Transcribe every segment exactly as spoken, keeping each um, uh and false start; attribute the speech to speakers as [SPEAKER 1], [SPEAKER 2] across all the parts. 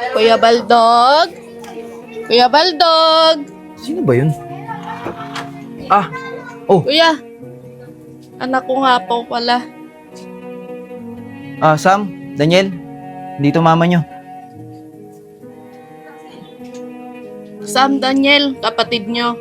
[SPEAKER 1] Kuya Baldog? Kuya Baldog?
[SPEAKER 2] Sino ba yun? Ah, oh,
[SPEAKER 1] Kuya, anak ko nga po pala.
[SPEAKER 2] ah, Sam, Daniel, dito mama nyo.
[SPEAKER 1] Sam, Daniel, kapatid nyo.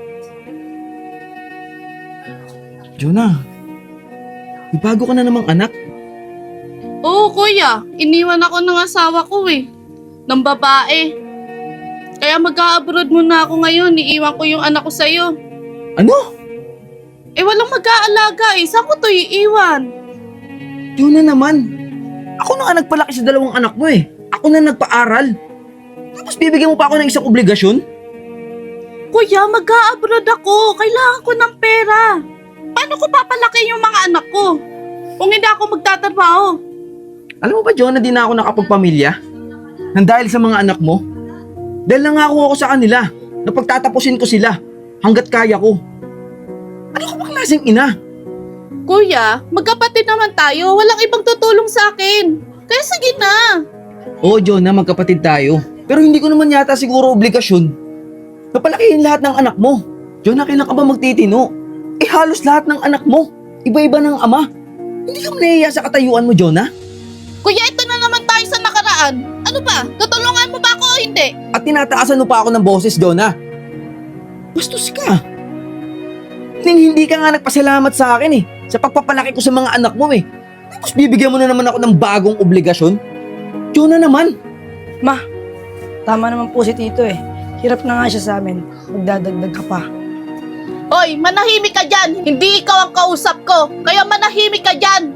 [SPEAKER 2] Jonah, may bago ka na namang anak.
[SPEAKER 1] Oo, kuya. Iniwan ako ng asawa ko eh. Ng babae. Kaya mag-a-abroad muna ako ngayon. Iiwan ko yung anak ko sa'yo.
[SPEAKER 2] Ano?
[SPEAKER 1] Eh, walang mag-aalaga eh. Saan ko to iiwan?
[SPEAKER 2] Jonah naman. Ako na nga nagpalaki sa dalawang anak mo eh. Ako na nagpaaral. Tapos bibigyan mo pa ako ng isang obligasyon?
[SPEAKER 1] Kuya, mag-a-abroad ako. Kailangan ko ng pera. Paano ko papalaki yung mga anak ko? Kung hindi ako magtatrabaho.
[SPEAKER 2] Alam mo ba, Jonah, di na ako nakapagpamilya? Nang dahil sa mga anak mo? Dahil nangako ako sa kanila na pagtatapusin ko sila hanggat kaya ko. Ano ka ba klaseng ina?
[SPEAKER 1] Kuya, magkapatid naman tayo. Walang ibang tutulong sa akin. Kaya sige na.
[SPEAKER 2] Oo, Jonah, magkapatid tayo. Pero hindi ko naman yata siguro obligasyon na palakihin lahat ng anak mo. Jonah, kailan ka ba magtitino? Eh halos lahat ng anak mo, iba-iba ng ama. Hindi ka nahihiya sa katayuan mo, Jonah?
[SPEAKER 1] Kuya, ito na naman tayo sa nakaraan. Ano ba? Tutulungan mo ba ako o hindi?
[SPEAKER 2] At tinataasan mo pa ako ng boses, Jonah. Bastos ka. Ning hindi ka nga nagpasalamat sa akin eh, sa pagpapalaki ko sa mga anak mo eh. Tapos bibigyan mo na naman ako ng bagong obligasyon. Jonah naman.
[SPEAKER 3] Ma, tama naman po si Tito eh. Hirap na nga siya sa amin. Magdadagdag ka pa.
[SPEAKER 1] Hoy, manahimik ka dyan. Hindi ikaw ang kausap ko. Kaya manahimik ka dyan.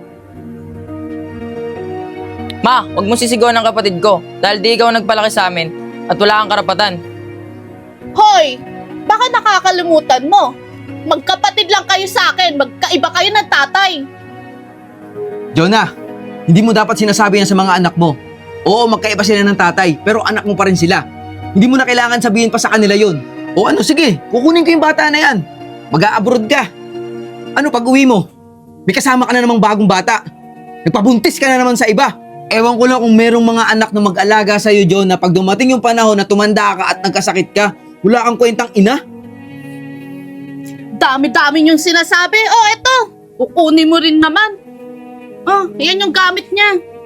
[SPEAKER 4] Ma, huwag mo sisigawan ng kapatid ko dahil di ikaw nagpalaki sa amin at wala kang karapatan.
[SPEAKER 1] Hoy, baka nakakalimutan mo. Magkapatid lang kayo sa akin. Magkaiba kayo ng tatay.
[SPEAKER 2] Jonah, hindi mo dapat sinasabi yan sa mga anak mo. Oo, magkaiba sila ng tatay, pero anak mo pa rin sila. Hindi mo na kailangan sabihin pa sa kanila yun. O ano, sige, kukunin ko yung bata na yan. Mag-a-abroad ka. Ano pag uwi mo? May kasama ka na namang bagong bata. Nagpabuntis ka na naman sa iba. Ewan ko lang kung merong mga anak na mag-alaga sa'yo, John, na pag dumating yung panahon na tumanda ka at nagkasakit ka, wala kang kwentang ina.
[SPEAKER 1] Dami-dami yung sinasabi. Oh, eto. Kukunin mo rin naman. Oh, yan yung gamit niya.